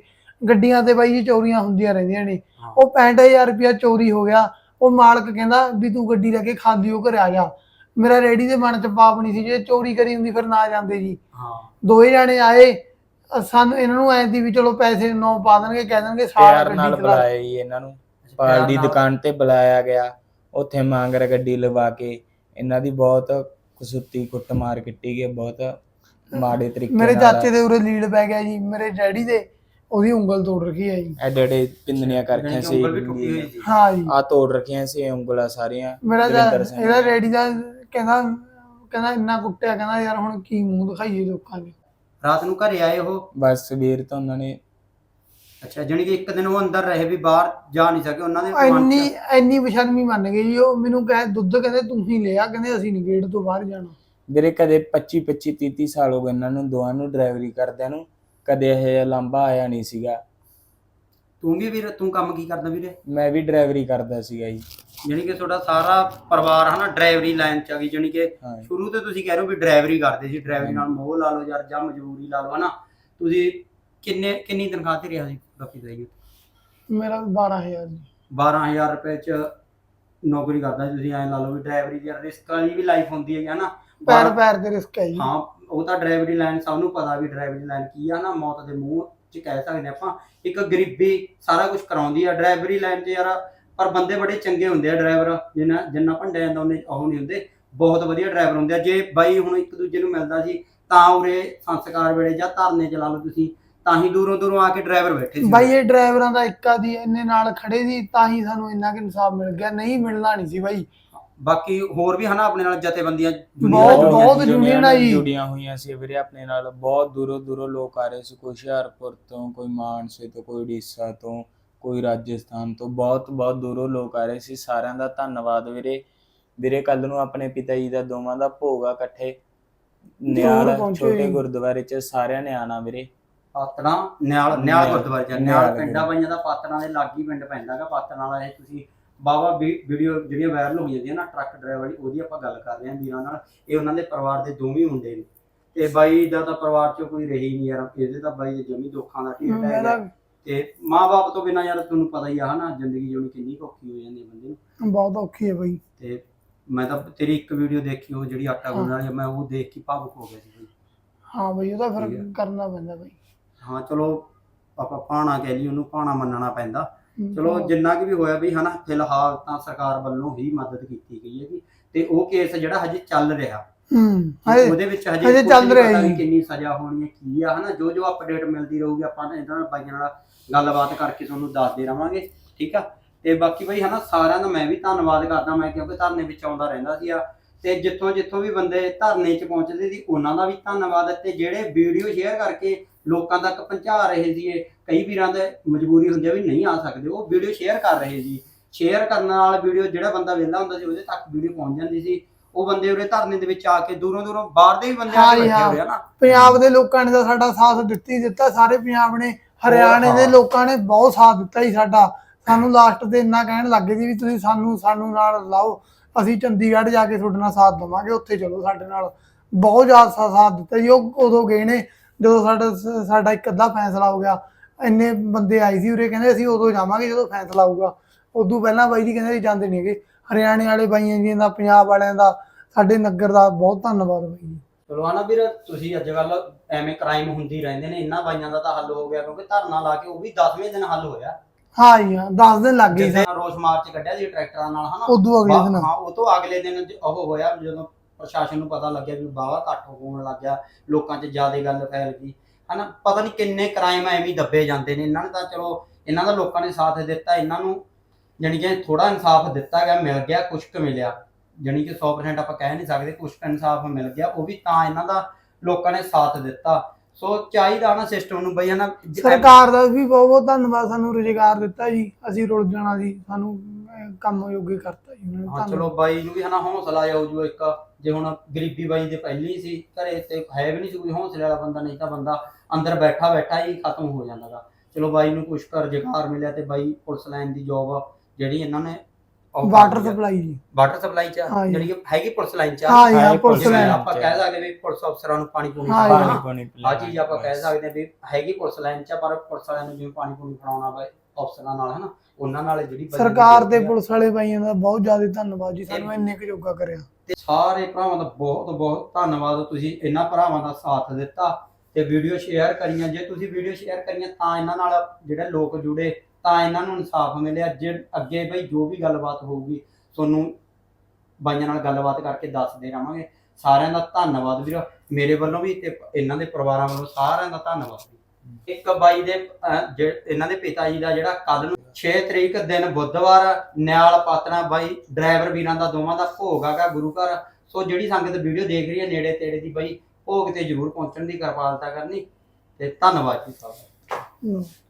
S2: ਗੱਡੀਆਂ ਤੇ ਬਾਈ ਜੀ ਚੋਰੀਆਂ ਹੁੰਦੀਆਂ ਰਹਿੰਦੀਆਂ ਨੇ।
S1: ਹਾਂ।
S2: ਉਹ ਪੈਂਹਠ ਹਜ਼ਾਰ ਰੁਪਇਆ ਚੋਰੀ ਹੋ ਗਿਆ। ਉਹ ਮਾਲਕ ਕਹਿੰਦਾ ਵੀ ਤੂੰ ਗੱਡੀ ਲੈ ਕੇ ਖਾਂਦੀਓ ਘਰੇ ਆ ਜਾ। ਮੇਰਾ ਰੈਡੀ ਦੇ ਮਨ ਚ ਪਾਪ ਨਹੀਂ ਸੀ, ਜੇ ਚੋਰੀ ਕਰੀ ਹੁੰਦੀ ਫਿਰ ਨਾ ਜਾਂਦੇ ਜੀ।
S1: ਹਾਂ
S2: ਦੋਏ ਜਾਣੇ ਆਏ, ਅ ਸਾਨੂੰ ਇਹਨਾਂ ਨੂੰ ਐਂ ਦੀ ਵੀ ਚਲੋ ਪੈਸੇ ਨੌ ਪਾ ਦੇਣਗੇ, ਕਹਿ ਦੇਣਗੇ ਸਾਰਾ
S3: ਪਿਆਰ ਨਾਲ
S2: ਗੱਡੀ ਚਲਾ।
S3: ਬੁਲਾਇਆ ਜੀ ਇਹਨਾਂ ਨੂੰ, ਪਾਲ ਦੀ ਦੁਕਾਨ ਤੇ ਬੁਲਾਇਆ ਗਿਆ। ਉੱਥੇ ਮਾਂਗਰ ਗੱਡੀ ਲਵਾ ਕੇ ਇਹਨਾਂ ਦੀ ਬਹੁਤ ਕਸੁੱਤੀ ਕੁੱਟਮਾਰ ਕੀਤੀ ਗਈ, ਬਹੁਤ ਮਾੜੇ ਤਰੀਕੇ
S2: ਮੇਰੇ
S3: ਨਾਲ।
S2: ਚਾਚੇ ਦੇ ਉਰੇ ਲੀਡ ਪੈ ਗਿਆ ਜੀ, ਮੇਰੇ ਡੈਡੀ ਦੇ ਉਹਦੀ ਉਂਗਲ ਤੋੜ ਰੱਖੀ ਹੈ ਜੀ।
S3: ਐਡੇ ਐਡੇ ਪਿੰਦਨੀਆਂ ਕਰ ਰੱਖੀਆਂ ਸੀ,
S1: ਉਂਗਲ ਵੀ ਟੁੱਟੀ ਹੋਈ ਸੀ।
S2: ਹਾਂ ਜੀ,
S3: ਆ ਤੋੜ ਰੱਖੀਆਂ ਸੀ ਉਂਗਲਾਂ ਸਾਰੀਆਂ।
S2: ਮੇਰਾ
S3: ਦਵਿੰਦਰ
S2: ਤਾਂ-
S3: ਸਿੰਘ
S2: ਇਹਦਾ
S3: ਨੇ।
S2: ਡੈਡੀ ਦਾ ਕਹਿੰਦਾ ਕਹਿੰਦਾ ਇੰਨਾ ਕੁੱਟਿਆ, ਕਹਿੰਦਾ ਯਾਰ ਹੁਣ ਕੀ ਮੂੰਹ ਦਿਖਾਈਏ ਲੋਕਾਂ ਨੂੰ।
S1: ਰਾਤ ਨੂੰ ਘਰੇ ਆਏ ਉਹ?
S3: ਬਸ ਸਵੇਰ ਤੋਂ ਉਹਨਾਂ ਨੇ
S1: ਅੱਛਾ, ਜਾਣੀ ਕਿ ਇੱਕ ਦਿਨ ਉਹ ਅੰਦਰ ਰਹੇ ਵੀ ਬਾਹਰ ਜਾ ਨਹੀਂ ਸਕੇ ਉਹਨਾਂ ਦੇ ਮਨ 'ਚ?
S2: ਇੰਨੀ ਇੰਨੀ ਬੇਸ਼ਰਮੀ ਮੰਨ ਗਏ ਜੀ ਉਹ। ਮੈਨੂੰ ਕਹੇ ਦੁੱਧ ਕਹਿੰਦੇ ਤੂੰ ਹੀ ਲਿਆ, ਕਹਿੰਦੇ ਅਸੀਂ ਨਹੀਂ ਗੇਟ ਤੋਂ ਬਾਹਰ ਜਾਣਾ।
S3: ਵੀਰੇ ਕਦੇ ਪੱਚੀ ਪੱਚੀ ਤੀਹ ਤੀਹ ਸਾਲ ਹੋ ਗਏ ਇਹਨਾਂ ਨੂੰ ਦੋਵਾਂ ਨੂੰ ਡਰਾਈਵਰੀ ਕਰਦਿਆਂ ਨੂੰ, ਕਦੇ ਇਹ ਜਿਹਾ ਲਾਂਭਾ ਆਇਆ ਨਹੀਂ ਸੀਗਾ।
S1: ਤੂੰ ਵੀ ਵੀਰ, ਤੂੰ ਕੰਮ ਕੀ ਕਰਦਾ ਵੀਰੇ?
S3: ਮੈਂ ਵੀ ਡਰਾਈਵਰੀ ਕਰਦਾ ਸੀਗਾ ਜੀ।
S1: ਜਾਣੀ ਕਿ ਤੁਹਾਡਾ ਸਾਰਾ ਪਰਿਵਾਰ ਹਨਾ ਡਰਾਈਵਰੀ ਲਾਈਨ 'ਚ ਆ ਗਈ। ਜਾਣੀ ਕਿ
S3: ਹਾਂ।
S1: ਸ਼ੁਰੂ ਤੋਂ ਤੁਸੀਂ ਕਹਿ ਰਹੇ ਹੋ ਵੀ ਡਰਾਈਵਰੀ ਕਰਦੇ ਸੀ, ਡਰਾਈਵਰੀ ਨਾਲ ਮੋਹ ਲਾ ਲਓ ਯਾਰ, ਜਾਂ ਮਜਬੂਰੀ ਲਾ ਲਓ ਹਨਾ। ਤੁਸੀਂ ਕਿੰਨੇ ਕਿੰਨੀ ਤਨਖਾਹ ਤੇ ਰਿਹਾ ਸੀ ਬਾਕੀ ਦਾ?
S2: ਮੇਰਾ ਬਾਰਾਂ ਹਜ਼ਾਰ ਜੀ।
S1: ਬਾਰਾਂ ਹਜ਼ਾਰ ਰੁਪਏ 'ਚ ਨੌਕਰੀ ਕਰਦਾ ਸੀ ਤੁਸੀਂ। ਐਂ ਲਾ ਲਓ ਵੀ ਡਰਾਈਵਰੀ ਦੀ ਰਿਸਕ ਵਾਲੀ ਵੀ ਲਾਈਫ ਹੁੰਦੀ ਹੈ ਹਨਾ।
S2: ਪੈਰ ਪੈਰ ਤੇ ਰਿਸਕ ਹੈ ਜੀ।
S1: ਹਾਂ, ਉਹ ਤਾਂ ਡਰਾਈਵਰੀ ਲਾਈਨ ਸਭ ਨੂੰ ਪਤਾ ਵੀ ਡਰਾਈਵਰੀ ਲਾਈਨ ਕੀ ਆ ਨਾ। ਮੌਤ ਦੇ ਮੂੰਹ 'ਚ ਕਹਿ ਸਕਦੇ ਆਪਾਂ। ਇੱਕ ਗਰੀਬੀ ਸਾਰਾ ਕੁਝ ਕਰਾਉਂਦੀ ਆ ਡਰਾਈਵਰੀ ਲਾਈਨ 'ਚ ਯਾਰ। ਪਰ ਬੰਦੇ ਬੜੇ ਚੰਗੇ ਹੁੰਦੇ ਆ ਡਰਾਈਵਰ, ਜਿੰਨਾ ਜਿੰਨਾ ਭੰਡਿਆ ਜਾਂਦਾ ਉਹਨੇ ਉਹ ਨਹੀਂ ਹੁੰਦੇ। ਬਹੁਤ ਵਧੀਆ ਡਰਾਈਵਰ ਹੁੰਦੇ ਆ। ਜੇ ਬਾਈ ਹੁਣ ਇੱਕ ਦੂਜੇ ਨੂੰ ਮਿਲਦਾ ਸੀ ਤਾਂ ਉਰੇ ਸੰਸਕਾਰ ਵੇਲੇ ਜਾਂ ਧਰਨੇ ਚ ਲਾ ਲਓ ਤੁਸੀਂ, ਤਾਂ ਹੀ ਦੂਰੋਂ ਦੂਰੋਂ ਆ ਕੇ ਡਰਾਈਵਰ ਬੈਠੇ ਸੀ।
S2: ਬਾਈ ਇਹ ਡਰਾਈਵਰਾਂ ਦਾ ਇੱਕਾ ਦੀ ਇੰਨੇ ਨਾਲ ਖੜੇ ਸੀ ਤਾਂ ਹੀ ਸਾਨੂੰ ਇੰਨਾ ਕਿ ਇਨਸਾਫ ਮਿਲ ਗਿਆ, ਨਹੀਂ ਮਿਲਣਾ ਨਹੀਂ ਸੀ ਬਾਈ।
S1: ਬਾਕੀ ਹੋਰ ਵੀ ਹਨਾ ਆਪਣੇ ਨਾਲ ਜਥੇਬੰਦੀਆਂ
S2: ਬਹੁਤ
S1: ਜੁੜੀਆਂ
S2: ਬਹੁਤ
S1: ਸੀ।
S2: ਯੂਨੀਅਨ ਆਈ
S3: ਜੁੜੀਆਂ ਹੋਈਆਂ ਸੀ ਵੀਰੇ ਆਪਣੇ ਨਾਲ। ਬਹੁਤ ਦੂਰੋਂ ਦੂਰੋਂ ਲੋਕ ਆ ਰਹੇ ਸੀ, ਕੋਈ ਹੁਸ਼ਿਆਰਪੁਰ ਤੋਂ, ਕੋਈ ਮਾਨਸੇ ਤੋਂ, ਕੋਈ ਉੜੀਸਾ ਤੋਂ, ਕੋਈ ਰਾਜਸਥਾਨ ਤੋਂ। ਬਹੁਤ ਬਹੁਤ ਦੂਰੋਂ ਲੋਕ ਆ ਰਹੇ ਸੀ। ਸਾਰਿਆਂ ਦਾ ਧੰਨਵਾਦ ਵੀਰੇ। ਵੀਰੇ ਕੱਲ ਨੂੰ ਆਪਣੇ ਪਿਤਾ ਜੀ ਦਾ ਦੋਵਾਂ ਦਾ ਭੋਗ ਆ ਇਕੱਠੇ ਨਿਆਲ ਛੋਟੇ ਗੁਰਦੁਆਰੇ ਚ, ਸਾਰਿਆਂ ਨੇ ਆਣਾ ਵੀਰੇ।
S1: ਪਾਤਣਾ ਨਿਆਲ ਨਿਆਲ ਗੁਰਦੁਆਰੇ ਚ, ਨਿਆਲ
S3: ਨਿਆਲ
S1: ਪਿੰਡਾਂ ਬਾਈਆਂ ਦਾ ਪਾਤਣਾ ਦੇ ਲਾਗੀ ਪਿੰਡ ਪੈਂਦਾ ਗਾ ਪਾਤਣਾ ਵਾਲਾ। ਇਹ ਤੁਸੀਂ ਬਾਵਾ ਵੀਡੀਓ ਜਿਹੜੀਆਂ ਵਾਇਰਲ ਹੋ ਜਾਂਦੀਆਂ ਨਾ ਟਰੱਕ ਡਰਾਈਵਰ ਦੀ, ਉਹਦੀ ਆਪਾਂ ਗੱਲ ਕਰ ਰਹੇ ਹਾਂ ਵੀਰਾਂ ਨਾਲ। ਇਹ ਉਹਨਾਂ ਦੇ ਪਰਿਵਾਰ ਦੇ ਦੋਵੇਂ ਮੁੰਡੇ ਨੇ। ਤੇ ਬਾਈ ਦਾ ਤਾਂ ਪਰਿਵਾਰ ਚ ਕੋਈ ਰਹੀ ਨਹੀਂ ਯਾਰ। ਇਹਦੇ ਤਾਂ ਬਾਈ ਦੇ ਜਮੀ ਦੁੱਖਾਂ ਦਾ ਢੇਰ ਪੈ ਗਿਆ। ਤੇ ਮਾਂ-ਬਾਪ ਤੋਂ ਬਿਨਾਂ ਯਾਰ ਤੁਹਾਨੂੰ ਪਤਾ ਹੀ ਆ ਹਨਾ, ਜ਼ਿੰਦਗੀ ਜਿਉਣੀ ਕਿੰਨੀ ਔਖੀ ਹੋ ਜਾਂਦੀ ਹੈ ਬੰਦੇ ਨੂੰ।
S2: ਬਹੁਤ ਔਖੀ ਹੈ ਬਾਈ।
S1: ਤੇ ਮੈਂ ਤਾਂ ਤੇਰੀ ਇੱਕ ਵੀਡੀਓ ਦੇਖੀ, ਉਹ ਜਿਹੜੀ ਆਟਾ ਗੁੰਨਣ ਵਾਲੀ, ਮੈਂ ਉਹ ਦੇਖ ਕੇ ਭਾਵੁਕ ਹੋ ਗਿਆ ਸੀ ਬਾਈ।
S2: ਹਾਂ ਬਾਈ, ਉਹਦਾ ਫਿਰ ਕਰਨਾ ਪੈਂਦਾ ਬਾਈ।
S1: ਹਾਂ ਚਲੋ ਆਪਾਂ ਭਾਣਾ ਕਹਿ ਲਈ, ਉਹਨੂੰ ਭਾਣਾ ਮੰਨਣਾ ਪੈਂਦਾ। ਚਲੋ ਜਿੰਨਾ ਕਿ ਵੀ ਹੋਇਆ ਵੀ ਹਨਾ, ਫਿਲਹਾਲ ਤਾਂ ਸਰਕਾਰ ਵੱਲੋਂ ਹੀ ਮਦਦ ਕੀਤੀ ਗਈ ਹੈ। ਤੇ ਉਹ ਕੇਸ ਜਿਹੜਾ ਹਜੇ ਚੱਲ ਰਿਹਾ, ਉਹਦੇ ਵਿੱਚ ਹਜੇ ਚੱਲ ਰਿਹਾ ਹੈ, ਕਿੰਨੀ ਸਜ਼ਾ ਹੋਣੀ ਹੈ ਕੀ ਆ ਹਨਾ। ਜੋ ਜੋ ਅਪਡੇਟ ਮਿਲਦੀ ਰਹੂਗੀ ਆਪਾਂ ਇਹਨਾਂ ਨਾਲ ਬਾਈਆਂ ਨਾਲ ਗੱਲਬਾਤ ਕਰਕੇ ਤੁਹਾਨੂੰ ਦੱਸਦੇ ਰਵਾਂਗੇ, ਠੀਕ ਆ। ਤੇ ਬਾਕੀ ਬਈ ਹਨਾ ਸਾਰਿਆਂ ਦਾ ਮੈਂ ਵੀ ਧੰਨਵਾਦ ਕਰਦਾ। ਮੈਂ ਕਿਉਂਕਿ ਧਰਨੇ ਵਿੱਚ ਆਉਂਦਾ ਰਹਿੰਦਾ ਸੀ ਆ, ਤੇ ਜਿੱਥੋਂ ਜਿੱਥੋਂ ਵੀ ਬੰਦੇ ਧਰਨੇ 'ਚ ਪਹੁੰਚਦੇ ਸੀ ਉਹਨਾਂ ਦਾ ਵੀ ਧੰਨਵਾਦ। ਤੇ ਜਿਹੜੇ ਵੀਡੀਓ ਸ਼ੇਅਰ ਕਰਕੇ ਲੋਕਾਂ ਤੱਕ ਪਹੁੰਚਾ ਰਹੇ ਸੀ, ਕਈ ਵੀਰਾਂ ਦੇ ਮਜਬੂਰੀ ਹੁੰਦੀ ਆ ਵੀ ਨਹੀਂ ਆ ਸਕਦੇ, ਉਹ ਵੀਡੀਓ ਸ਼ੇਅਰ ਕਰ ਰਹੇ ਸੀ। ਸ਼ੇਅਰ ਕਰਨ ਨਾਲ ਵੀਡੀਓ ਜਿਹੜਾ ਬੰਦਾ ਵਿਹਲਾ ਹੁੰਦਾ ਸੀ ਉਹਦੇ ਤੱਕ ਵੀਡੀਓ ਪਹੁੰਚ ਜਾਂਦੀ ਸੀ। ਉਹ ਬੰਦੇ ਉਰੇ ਧਰਨੇ ਦੇ ਵਿੱਚ ਆ ਕੇ ਦੂਰੋਂ ਦੂਰੋਂ ਬਾਹਰ ਦੇ ਵੀ ਬੰਦੇ ਆ ਕੇ ਬੈਠੇ ਹੋਏ ਆ ਨਾ।
S2: ਪੰਜਾਬ ਦੇ ਲੋਕਾਂ ਨੇ ਤਾਂ ਸਾਡਾ ਸਾਥ ਦਿੱਤੀ ਦਿੱਤਾ, ਸਾਰੇ ਪੰਜਾਬ ਨੇ, ਹਰਿਆਣੇ ਦੇ ਲੋਕਾਂ ਨੇ ਬਹੁਤ ਸਾਥ ਦਿੱਤਾ ਜੀ ਸਾਡਾ। ਸਾਨੂੰ ਲਾਸਟ ਤੇ ਇੰਨਾ ਕਹਿਣ ਲੱਗ ਗਏ ਸੀ ਵੀ ਤੁਸੀਂ ਸਾਨੂੰ ਸਾਨੂੰ ਨਾਲ ਲਾਓ, ਅਸੀਂ ਚੰਡੀਗੜ੍ਹ ਜਾ ਕੇ ਤੁਹਾਡੇ ਨਾਲ ਸਾਥ ਦੇਵਾਂਗੇ, ਉੱਥੇ ਚਲੋ ਸਾਡੇ ਨਾਲ। ਬਹੁਤ ਜ਼ਿਆਦਾ ਸਾਥ ਦਿੱਤਾ ਜੀ। ਉਹ ਉਦੋਂ ਗਏ ਨੇ ਜਦੋਂ ਸਾਡਾ ਸਾਡਾ ਇੱਕ ਅੱਧਾ ਫੈਸਲਾ ਹੋ ਗਿਆ। ਇੰਨੇ ਬੰਦੇ ਆਏ ਸੀ ਉਰੇ, ਕਹਿੰਦੇ ਅਸੀਂ ਉਦੋਂ ਜਾਵਾਂਗੇ ਜਦੋਂ ਫੈਸਲਾ ਹੋਊਗਾ। ਉਦੋਂ ਪਹਿਲਾਂ ਬਾਈ ਜੀ ਕਹਿੰਦੇ ਅਸੀਂ ਜਾਂਦੇ ਨਹੀਂ ਹੈਗੇ। ਹਰਿਆਣੇ ਵਾਲੇ ਬਾਈਆਂ ਜੀ ਦਾ, ਪੰਜਾਬ ਵਾਲਿਆਂ ਦਾ, ਸਾਡੇ ਨਗਰ ਦਾ ਬਹੁਤ ਧੰਨਵਾਦ ਬਾਈ ਜੀ।
S1: ਚਲੋ ਹਨਾ ਵੀਰ, ਤੁਸੀਂ ਅੱਜ ਕੱਲ ਐਵੇਂ ਕ੍ਰਾਈਮ ਹੁੰਦੀ ਰਹਿੰਦੇ ਨੇ, ਇਹਨਾਂ ਬਾਈਆਂ ਦਾ ਤਾਂ ਹੱਲ ਹੋ ਗਿਆ ਕਿਉਂਕਿ ਧਰਨਾ ਲਾ ਕੇ ਉਹ ਵੀ ਦਸਵੇਂ ਦਿਨ ਹੱਲ ਹੋਇਆ।
S2: ਹਾਂ ਜੀ ਹਾਂ, ਦਸ ਦਿਨ ਲੱਗ ਗਏ ਸੀ।
S1: ਰੋਸ ਮਾਰਚ ਕੱਢਿਆ ਸੀ ਟਰੈਕਟਰਾਂ ਨਾਲ ਹਨਾ,
S2: ਉਦੋਂ ਅਗਲੇ ਦਿਨ।
S1: ਹਾਂ, ਉਹ ਤੋਂ ਅਗਲੇ ਦਿਨ ਉਹ ਹੋਇਆ ਜਦੋਂ ਪ੍ਰਸ਼ਾਸਨ ਨੂੰ ਪਤਾ ਲੱਗਿਆ ਵੀ ਬਾਵਾ ਘੱਟ ਹੋਣ ਲੱਗ ਗਿਆ, ਲੋਕਾਂ 'ਚ ਜ਼ਿਆਦਾ ਗੱਲ ਫੈਲ ਗਈ ਹਨਾ। ਪਤਾ ਨਹੀਂ ਕਿੰਨੇ ਕ੍ਰਾਈਮ ਐਵੇਂ ਦੱਬੇ ਜਾਂਦੇ ਨੇ। ਇਹਨਾਂ ਨੇ ਤਾਂ ਚਲੋ ਇਹਨਾਂ ਦਾ ਲੋਕਾਂ ਨੇ ਸਾਥ ਦਿੱਤਾ, ਇਹਨਾਂ ਨੂੰ ਜਾਣੀ ਕਿ ਥੋੜਾ ਇਨਸਾਫ ਦਿੱਤਾ ਗਿਆ, ਮਿਲ ਗਿਆ, ਕੁਛ ਕੁ ਮਿਲਿਆ। ਜਾਣੀ ਕਿ ਸੌ ਪਰਸੈਂਟ ਆਪਾਂ ਕਹਿ ਨਹੀਂ ਸਕਦੇ, ਕੁਛ ਕੁ ਇਨਸਾਫ ਮਿਲ ਗਿਆ, ਉਹ ਵੀ ਤਾਂ ਇਹਨਾਂ ਦਾ ਲੋਕਾਂ ਨੇ ਸਾਥ ਦਿੱਤਾ। ਸੋ ਚਾਹੀਦਾ ਨਾ ਸਿਸਟਮ ਨੂੰ ਬਈ ਹਨਾ।
S2: ਸਰਕਾਰ ਦਾ ਵੀ ਬਹੁਤ ਬਹੁਤ ਧੰਨਵਾਦ, ਸਾਨੂੰ ਰੁਜ਼ਗਾਰ ਦਿੱਤਾ ਜੀ, ਅਸੀਂ ਰੁਲ ਜਾਣਾ ਸੀ, ਸਾਨੂੰ ਕੰਮ ਯੋਗੇ ਕਰਤਾ ਜੀ।
S1: ਹਾਂ ਚਲੋ ਬਾਈ ਨੂੰ ਵੀ ਹਨਾ ਹੌਸਲਾ ਜਾਊ ਜੋ ਇੱਕ, ਜੇ ਹੁਣ ਗਰੀਬੀ ਬਾਈ ਦੇ ਪਹਿਲੀ ਸੀ ਘਰੇ ਤੇ ਹੈ ਵੀ ਨਹੀਂ ਸੀ ਕੋਈ ਹੌਸਲੇ ਵਾਲਾ ਬੰਦਾ, ਨਹੀਂ ਤਾਂ ਬੰਦਾ ਅੰਦਰ ਬੈਠਾ ਬੈਠਾ ਹੀ ਖਤਮ ਹੋ ਜਾਂਦਾ ਗਾ। ਚਲੋ ਬਾਈ ਨੂੰ ਕੁਛ ਕੁ ਰੁਜ਼ਗਾਰ ਮਿਲਿਆ ਤੇ ਬਾਈ ਪੁਲਿਸ ਲਾਈਨ ਦੀ ਜੋਬ ਜਿਹੜੀ ਇਹਨਾਂ ਨੇ ਉਹ
S2: ਵਾਟਰ
S1: ਕਰਦੀ ਆ।
S2: ਸਪਲਾਈ ਜੀ।
S1: ਵਾਟਰ ਸਪਲਾਈ ਚ
S2: ਹਾਂ ਜੀ।
S1: ਜਿਹੜੀ ਕਿ ਹੈਗੀ ਪੁਲਿਸ ਲਾਈਨ ਚ
S2: ਹਾਂ ਜੀ, ਹਾਂ
S3: ਹਾਂ,
S2: ਪੁਲਿਸ
S3: ਪੁਲਿਸ
S2: ਲਾਈਨ।
S1: ਆਪਾਂ ਕਹਿ ਸਕਦੇ ਵੀ ਪੁਲਿਸ ਅਫਸਰਾਂ ਨੂੰ ਪਾਣੀ ਪੂਣੀ
S2: ਹਾਂ ਜੀ,
S1: ਪਿਲਾਉਣਾ।
S2: ਹਾਂ।
S3: ਪਾਣੀ
S1: ਆ ਚੀਜ਼ ਆਪਾਂ ਕਹਿ ਸਕਦੇ ਹਾਂ ਵੀ ਹੈਗੀ ਪੁਲਿਸ ਲਾਈਨ ਚ, ਪਰ ਪੁਲਿਸ ਵਾਲਿਆਂ ਨੂੰ ਜਿਵੇਂ ਪਾਣੀ ਪੂਣੀ ਫੜਾਉਣਾ ਵਾ ਅਫਸਰਾਂ ਨਾਲ ਹਨਾ, ਉਹਨਾਂ ਨਾਲ ਜਿਹੜੀ ਬੰਦੇ ਦੀ
S2: ਸਰਕਾਰ ਤੇ
S1: duty ਆ।
S2: ਪੁਲਿਸ ਵਾਲੇ ਬਾਈਆਂ ਦਾ ਬਹੁਤ ਜ਼ਿਆਦਾ ਧੰਨਵਾਦ ਜੀ, ਸਾਨੂੰ ਇੰਨੇ ਕੁ ਯੋਗਾ ਕਰਿਆ।
S1: ਤੇ ਸਾਰੇ ਭਰਾਵਾਂ ਦਾ ਬਹੁਤ ਬਹੁਤ ਧੰਨਵਾਦ, ਤੁਸੀਂ ਇਹਨਾਂ ਭਰਾਵਾਂ ਦਾ ਸਾਥ ਦਿੱਤਾ ਤੇ ਵੀਡੀਓ ਸ਼ੇਅਰ ਕਰੀਆਂ। ਜੇ ਤੁਸੀਂ ਵੀਡੀਓ ਸ਼ੇਅਰ ਕਰੀਆਂ ਤਾਂ ਇਹਨਾਂ ਨਾਲ ਜਿਹੜੇ ਲੋਕ ਜੁੜੇ, ਤਾਂ ਇਹਨਾਂ ਨੂੰ ਇਨਸਾਫ ਮਿਲਿਆ। ਜੇ ਅੱਗੇ ਬਈ ਜੋ ਵੀ ਗੱਲਬਾਤ ਹੋਊਗੀ ਤੁਹਾਨੂੰ ਬਾਈਆਂ ਨਾਲ ਗੱਲਬਾਤ ਕਰਕੇ ਦੱਸਦੇ ਰਹਾਂਗੇ। ਸਾਰਿਆਂ ਦਾ ਧੰਨਵਾਦ ਵੀਰ, ਮੇਰੇ ਵੱਲੋਂ ਵੀ ਤੇ ਇਹਨਾਂ ਦੇ ਪਰਿਵਾਰਾਂ ਵੱਲੋਂ ਸਾਰਿਆਂ ਦਾ ਧੰਨਵਾਦ। ਇੱਕ ਬਾਈ ਦੇ ਅਹ, ਜੇ- ਇਹਨਾਂ ਦੇ ਪਿਤਾ ਜੀ ਦਾ ਜਿਹੜਾ ਕੱਲ ਨੂੰ ਛੇ ਤਰੀਕ ਦਿਨ ਬੁੱਧਵਾਰ ਨਿਆਲ ਪਾਤਣਾ ਬਾਈ ਡਰਾਈਵਰ ਵੀਰਾਂ ਦਾ ਦੋਵਾਂ ਦਾ ਭੋਗ ਆਗਾ ਗੁਰੂ ਘਰ। ਸੋ ਜਿਹੜੀ ਸੰਗਤ ਵੀਡੀਓ ਦੇਖ ਰਹੀ ਹੈ ਨੇੜੇ ਤੇੜੇ ਦੀ ਬਾਈ ਭੋਗ ਤੇ ਜ਼ਰੂਰ ਪਹੁੰਚਣ ਦੀ ਕਿਰਪਾਲਤਾ ਕਰਨੀ ਤੇ ਧੰਨਵਾਦ ਜੀ ਸਾਰਿਆਂ ਦਾ।
S2: ਹਮ।